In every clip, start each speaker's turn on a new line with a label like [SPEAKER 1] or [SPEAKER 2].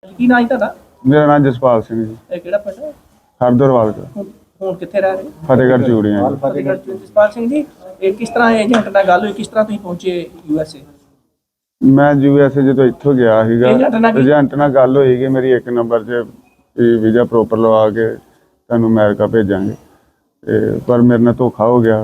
[SPEAKER 1] ਕੀ ਨਾਂ ਜੀ ਤੁਹਾਡਾ?
[SPEAKER 2] ਮੇਰਾ ਨਾਮ ਜਸਪਾਲ ਸਿੰਘ ਜੀ,
[SPEAKER 1] ਇਹ ਕਿਹੜਾ ਪਿੰਡ ਹੈ?
[SPEAKER 2] ਹਰਦਰਵਾਲ ਦਾ,
[SPEAKER 1] ਹੁਣ ਕਿੱਥੇ ਰਹਿ ਰਹੇ?
[SPEAKER 2] ਫਤਿਹਗੜ੍ਹ ਚੂੜੀਆਂ ਜੀ।
[SPEAKER 1] ਫਤਿਹਗੜ੍ਹ ਚ। ਜਸਪਾਲ ਸਿੰਘ ਜੀ, ਇਹ ਕਿਸ ਤਰ੍ਹਾਂ ਏਜੰਟ ਨਾਲ ਗੱਲ ਹੋਈ, ਕਿਸ ਤਰ੍ਹਾਂ ਤੁਸੀਂ ਪਹੁੰਚੇ USA?
[SPEAKER 2] ਮੈਂ USA ਜਦੋਂ ਇੱਥੋਂ ਗਿਆ ਸੀਗਾ, ਏਜੰਟ ਨਾਲ ਗੱਲ ਹੋਈ ਕਿ ਮੇਰੀ 1 ਨੰਬਰ 'ਚ ਵੀਜ਼ਾ ਪ੍ਰੋਪਰ ਲਵਾ ਕੇ ਤੁਹਾਨੂੰ ਅਮਰੀਕਾ ਭੇਜਾਂਗੇ, ਤੇ ਪਰ ਮੇਰੇ ਨਾਲ ਧੋਖਾ ਹੋ ਗਿਆ।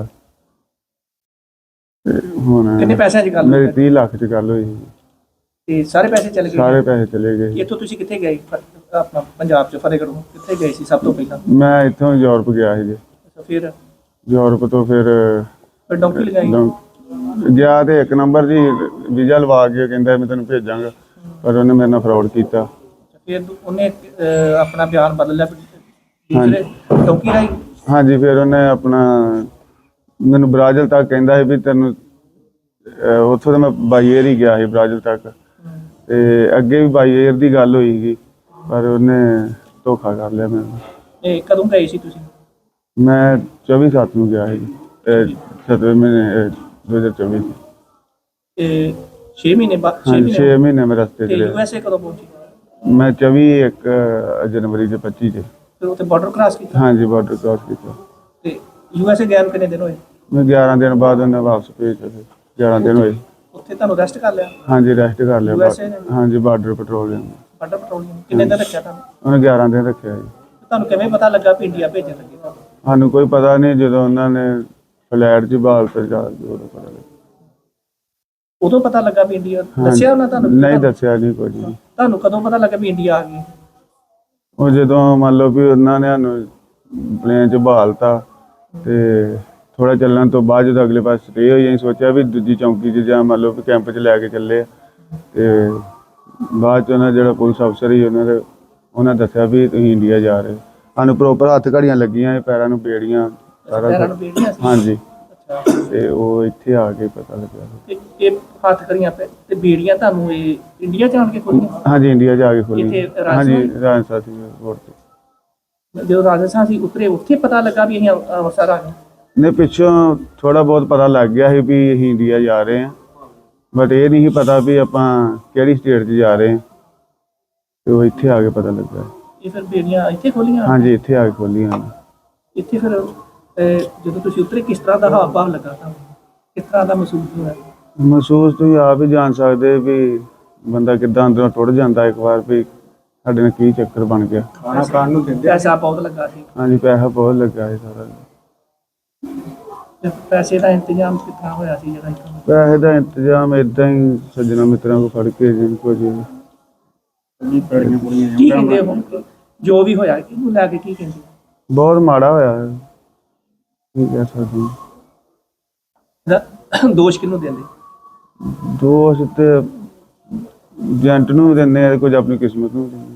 [SPEAKER 2] ਤੇ ਹੁਣ
[SPEAKER 1] ਕਿੰਨੇ ਪੈਸਿਆਂ 'ਚ ਗੱਲ
[SPEAKER 2] ਮੇਰੀ
[SPEAKER 1] ਹੋਈ?
[SPEAKER 2] 30 ਲੱਖ 'ਚ ਗੱਲ ਹੋਈ ਸੀ।
[SPEAKER 1] ਤੇ ਸਾਰੇ ਪੈਸੇ ਚਲੇ ਗਏ?
[SPEAKER 2] ਸਾਰੇ ਪੈਸੇ ਚਲੇ ਗਏ।
[SPEAKER 1] ਇੱਥੋਂ ਤੁਸੀਂ ਕਿੱਥੇ ਗਏ? ਆਪਣਾ ਪੰਜਾਬ 'ਚ ਫਤਿਹਗੜ੍ਹੋਂ ਕਿੱਥੇ ਗਏ ਸੀ ਸਭ ਤੋਂ ਪਹਿਲਾਂ?
[SPEAKER 2] ਮੈਂ ਇੱਥੋਂ ਯੂਰਪ ਗਿਆ ਸੀ ਜੀ।
[SPEAKER 1] ਅੱਛਾ, ਫਿਰ
[SPEAKER 2] ਯੂਰਪ ਤੋਂ ਫਿਰ
[SPEAKER 1] ਡੌਂਕੀ ਲਗਾਈ?
[SPEAKER 2] ਗਿਆ ਤੇ 1 ਨੰਬਰ ਜੀ ਵੀਜ਼ਾ ਲਵਾ ਕੇ ਕਹਿੰਦਾ ਮੈਂ ਤੈਨੂੰ ਭੇਜਾਂਗਾ, ਪਰ ਉਹਨੇ ਮੇਰੇ ਨਾਲ ਫਰਾਡ ਕੀਤਾ।
[SPEAKER 1] ਫਿਰ ਉਹਨੇ ਆਪਣਾ ਬਿਆਨ ਬਦਲ ਲਿਆ ਦੂਸਰੇ ਡੌਂਕੀ ਰਾਹੀਂ?
[SPEAKER 2] ਹਾਂਜੀ, ਫਿਰ ਉਹਨੇ ਆਪਣਾ ਮੈਨੂੰ ਬ੍ਰਾਜ਼ਿਲ ਤੱਕ ਕਹਿੰਦਾ ਸੀ ਵੀ ਤੈਨੂੰ ਉੱਥੋਂ ਤਾਂ ਮੈਂ ਬਾਈ ਏਅਰ ਹੀ ਗਿਆ ਸੀ ਬ੍ਰਾਜ਼ਿਲ ਤੱਕ, ਤੇ ਅੱਗੇ ਵੀ ਬਾਈ ਏਅਰ ਦੀ ਗੱਲ ਹੋਈ ਸੀ, ਪਰ ਉਹਨੇ ਧੋਖਾ ਕਰ ਲਿਆ ਮੈਨੂੰ।
[SPEAKER 1] ਇਹ ਕਦੋਂ ਗਏ ਸੀ ਤੁਸੀਂ?
[SPEAKER 2] ਮੈਂ 24/7 ਨੂੰ ਗਿਆ ਸੀ, 7ਵੇਂ ਮਹੀਨੇ 2024 ਚ।
[SPEAKER 1] ਇਹ 6 ਮਹੀਨੇ ਬਾਅਦ?
[SPEAKER 2] 6 ਮਹੀਨੇ ਮੈਂ ਰਸਤੇ
[SPEAKER 1] ਤੇ
[SPEAKER 2] ਚ ਰਿਹਾ।
[SPEAKER 1] USA ਕਦੋਂ ਪਹੁੰਚੇ?
[SPEAKER 2] ਮੈਂ 24 ਜਨਵਰੀ ਦੇ 25 ਚ।
[SPEAKER 1] ਫਿਰ ਉੱਥੇ ਬਾਰਡਰ ਕ੍ਰਾਸ ਕੀਤਾ?
[SPEAKER 2] ਹਾਂਜੀ, ਬਾਰਡਰ ਕ੍ਰਾਸ ਕੀਤਾ।
[SPEAKER 1] ਤੇ USA ਗਏ ਨੂੰ ਕਿੰਨੇ ਦਿਨ ਹੋਏ?
[SPEAKER 2] ਮੈਂ 11 ਦਿਨ ਬਾਅਦ ਉਹਨੇ ਵਾਪਸ ਭੇਜਿਆ। 11 ਦਿਨ ਹੋਏ।
[SPEAKER 1] ਉੱਥੇ ਤੁਹਾਨੂੰ ਰੈਸਟ ਕਰ ਲਿਆ?
[SPEAKER 2] ਹਾਂਜੀ, ਰੈਸਟ ਕਰ ਲਿਆ।
[SPEAKER 1] USA ਨੇ?
[SPEAKER 2] ਹਾਂਜੀ, ਬਾਰਡਰ ਪੈਟਰੋਲਿੰਗ।
[SPEAKER 1] ਬਾਰਡਰ ਪੈਟਰੋਲਿੰਗ ਕਿੰਨੇ ਦਿਨ ਰੱਖਿਆ ਤੁਹਾਨੂੰ?
[SPEAKER 2] ਉਹਨੇ 11 ਦਿਨ ਰੱਖਿਆ ਜੀ।
[SPEAKER 1] ਤੁਹਾਨੂੰ ਕਿਵੇਂ ਪਤਾ ਲੱਗਾ ਵੀ ਇੰਡੀਆ ਭੇਜਣ ਲੱਗੇ ਤੁਹਾਨੂੰ?
[SPEAKER 2] ਸਾਨੂੰ ਕੋਈ ਪਤਾ ਨਹੀਂ, ਜਦੋਂ ਉਹਨਾਂ ਨੇ ਫਲੈਟ 'ਚ ਬਾਲ ਤੇ ਜਾ ਕੇ ਉਦੋਂ ਪਤਾ ਲੱਗਾ।
[SPEAKER 1] ਉਦੋਂ ਪਤਾ ਲੱਗਾ ਵੀ ਇੰਡੀਆ? ਦੱਸਿਆ ਉਹਨਾਂ ਤੁਹਾਨੂੰ?
[SPEAKER 2] ਨਹੀਂ ਦੱਸਿਆ ਨਹੀਂ ਕੁਝ ਵੀ।
[SPEAKER 1] ਤੁਹਾਨੂੰ ਕਦੋਂ ਪਤਾ ਲੱਗਾ ਵੀ ਇੰਡੀਆ ਆ ਗਈ?
[SPEAKER 2] ਉਹ ਜਦੋਂ ਮੰਨ ਲਓ ਵੀ ਉਹਨਾਂ ਨੇ ਸਾਨੂੰ ਪਲੇਨ 'ਚ ਬਹਾਲਤਾ, ਤੇ ਥੋੜਾ ਚੱਲਣ ਤੋਂ ਬਾਅਦ ਜਦੋਂ ਅਗਲੇ ਪਾਸੇ ਸਟੇ ਹੋਈ, ਅਸੀਂ ਸੋਚਿਆ ਵੀ ਦੂਜੀ ਚੌਂਕੀ 'ਚ ਜਾਂ ਮੰਨ ਲਓ ਵੀ ਕੈਂਪ 'ਚ ਲੈ ਕੇ ਚੱਲੇ ਆ, ਤੇ ਬਾਅਦ 'ਚ ਉਹਨਾਂ ਜਿਹੜਾ ਪੁਲਿਸ ਅਫਸਰ ਸੀ ਉਹਨਾਂ ਦੱਸਿਆ ਵੀ ਤੁਸੀਂ ਇੰਡੀਆ ਜਾ ਰਹੇ। ਸਾਨੂੰ ਪ੍ਰੋਪਰ ਹੱਥ ਘੜੀਆਂ ਲੱਗੀਆਂ, ਪੈਰਾਂ ਨੂੰ ਬੇੜੀਆਂ, ਸਾਰਾ
[SPEAKER 1] ਪੈਰਾਂ ਨੂੰ ਬੇੜੀਆਂ ਸੀ?
[SPEAKER 2] ਹਾਂਜੀ।
[SPEAKER 1] ਅੱਛਾ,
[SPEAKER 2] ਤੇ ਉਹ ਇੱਥੇ ਆ ਕੇ ਪਤਾ ਲੱਗਾ।
[SPEAKER 1] ਇਹ ਹੱਥ ਕਰੀਆਂ ਤੇ ਬੇੜੀਆਂ ਤੁਹਾਨੂੰ ਇਹ ਇੰਡੀਆ ਜਾਣ ਕੇ ਖੋਲੀਆਂ?
[SPEAKER 2] ਹਾਂਜੀ, ਇੰਡੀਆ ਜਾ ਕੇ ਖੋਲੀ।
[SPEAKER 1] ਇੱਥੇ
[SPEAKER 2] ਹਾਂਜੀ, ਰਾਜਸਥਾਨ ਸੀ 에ਅਰਪੋਰਟ ਤੇ।
[SPEAKER 1] ਜਦੋਂ ਰਾਜਸਥਾਨ ਸੀ ਉਤਰੇ, ਉੱਥੇ ਪਤਾ ਲੱਗਾ ਵੀ ਅਸੀਂ ਅੰਮ੍ਰਿਤਸਰ ਆ ਗਏ?
[SPEAKER 2] ਨੇ ਪਿੱਛੋਂ ਥੋੜਾ ਬਹੁਤ ਪਤਾ ਲੱਗ ਗਿਆ ਸੀ ਵੀ ਅਸੀਂ ਇੰਡੀਆ ਜਾ ਰਹੇ ਹਾਂ, ਬਟ ਇਹ ਨਹੀਂ ਪਤਾ ਵੀ ਆਪਾਂ ਕਿਹੜੀ ਸਟੇਟ 'ਚ ਜਾ ਰਹੇ ਹਾਂ, ਤੇ ਉਹ ਇੱਥੇ ਆ ਕੇ ਪਤਾ ਲੱਗਾ।
[SPEAKER 1] ਇਹ ਫਿਰ ਬੇੜੀਆਂ ਇੱਥੇ ਖੋਲੀਆਂ?
[SPEAKER 2] ਹਾਂਜੀ, ਇੱਥੇ ਆ ਕੇ ਖੋਲੀਆਂ।
[SPEAKER 1] ਇੱਥੇ ਫਿਰ ਜਦੋਂ ਤੁਸੀਂ ਉਤਰੇ ਕਿਸ ਤਰ੍ਹਾਂ ਦਾ ਹਾਵ ਭਾਵ ਲੱਗਾ ਤੁਹਾਨੂੰ? ਕਿਸ ਤਰ੍ਹਾਂ ਦਾ ਮਹਿਸੂਸ ਹੋਇਆ?
[SPEAKER 2] ਮਹਿਸੂਸ ਤੁਸੀਂ ਆਪ ਹੀ ਜਾਣ ਸਕਦੇ ਵੀ ਬੰਦਾ ਕਿੱਦਾਂ ਅੰਦਰੋਂ ਟੁੱਟ ਜਾਂਦਾ ਇੱਕ ਵਾਰ, ਵੀ ਸਾਡੇ ਨਾਲ ਕੀ ਚੱਕਰ ਬਣ ਗਿਆ।
[SPEAKER 1] ਖਾਣਾ ਖਾਣ ਨੂੰ ਦਿੰਦੇ? ਪੈਸਾ ਬਹੁਤ ਲੱਗਾ ਸੀ?
[SPEAKER 2] ਹਾਂਜੀ, ਪੈਸਾ ਬਹੁਤ ਲੱਗਾ ਸੀ ਸਾਰਾ।
[SPEAKER 1] ਤੇ ਪੈਸੇ ਦਾ ਇੰਤਜ਼ਾਮ ਕਿੱਥਾਂ ਹੋਇਆ ਸੀ ਜਿਹੜਾ ਇੱਥੋਂ?
[SPEAKER 2] ਪੈਸੇ ਦਾ ਇੰਤਜ਼ਾਮ ਏਦਾਂ ਹੀ ਸੱਜਣਾ ਮਿੱਤਰਾਂ ਕੋਲ ਫੜ ਕੇ ਜਿੰਨ ਕੁਝ
[SPEAKER 1] ਕੀ ਕਹਿੰਦੇ ਹੁਣ ਜੋ ਵੀ ਹੋਇਆ ਇਹਨੂੰ ਲੈ ਕੇ ਕੀ ਕਹਿੰਦੇ?
[SPEAKER 2] ਬਹੁਤ ਮਾੜਾ ਹੋਇਆ ਹੈ, ਕੀ ਕਹਿ ਸਕਦੇ ਹਾਂ।
[SPEAKER 1] ਦੋਸ਼ ਕਿਹਨੂੰ ਦਿੰਦੇ?
[SPEAKER 2] ਦੋਸ਼ ਤੇ ਏਜੰਟ ਨੂੰ ਦਿੰਦੇ ਆ, ਕੁਝ ਆਪਣੀ ਕਿਸਮਤ ਨੂੰ ਦਿੰਦੇ।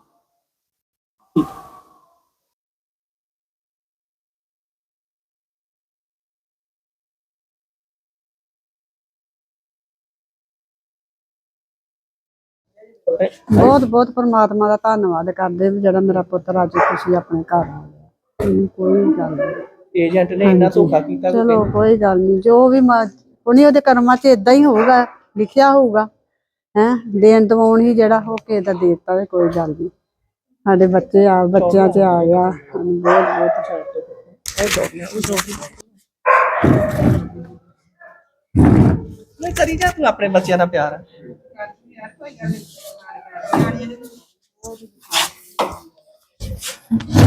[SPEAKER 3] ਬਹੁਤ ਬਹੁਤ ਪਰਮਾਤਮਾ ਦਾ ਧੰਨਵਾਦ ਕਰਦੇ ਵੀ ਜਿਹੜਾ ਮੇਰਾ ਪੁੱਤਰ ਅੱਜ ਖੁਸ਼ੀ ਆਪਣੇ ਘਰ ਆ ਗਿਆ। ਕੋਈ ਗੱਲ ਨਹੀਂ,
[SPEAKER 1] ਏਜੰਟ ਨੇ ਇੰਨਾ ਧੋਖਾ ਕੀਤਾ?
[SPEAKER 3] ਚਲੋ ਕੋਈ ਗੱਲ ਨਹੀਂ, ਜੋ ਵੀ ਉਹਨੇ ਉਹਦੇ ਕਰਮਾਂ 'ਚ ਇਦਾਂ ਹੀ ਹੋਊਗਾ, ਲਿਖਿਆ ਹੋਊਗਾ। ਦੇਣ ਦਵਾਉਣ ਹੀ ਜਿਹੜਾ ਹੋ ਕੇ ਦਾ ਦੇਤਾ ਤੇ ਕੋਈ ਗੱਲ ਨਹੀਂ। ਸਾਡੇ ਬੱਚਿਆਂ 'ਚ ਆ ਗਿਆ, ਸਾਨੂੰ ਬਹੁਤ
[SPEAKER 1] ਨਹੀਂ ਕਰੀ ਜਾ ਤੂੰ ਆਪਣੇ ਬੱਚਿਆਂ ਦਾ ਪਿਆਰ।
[SPEAKER 3] ਬਹੁਤ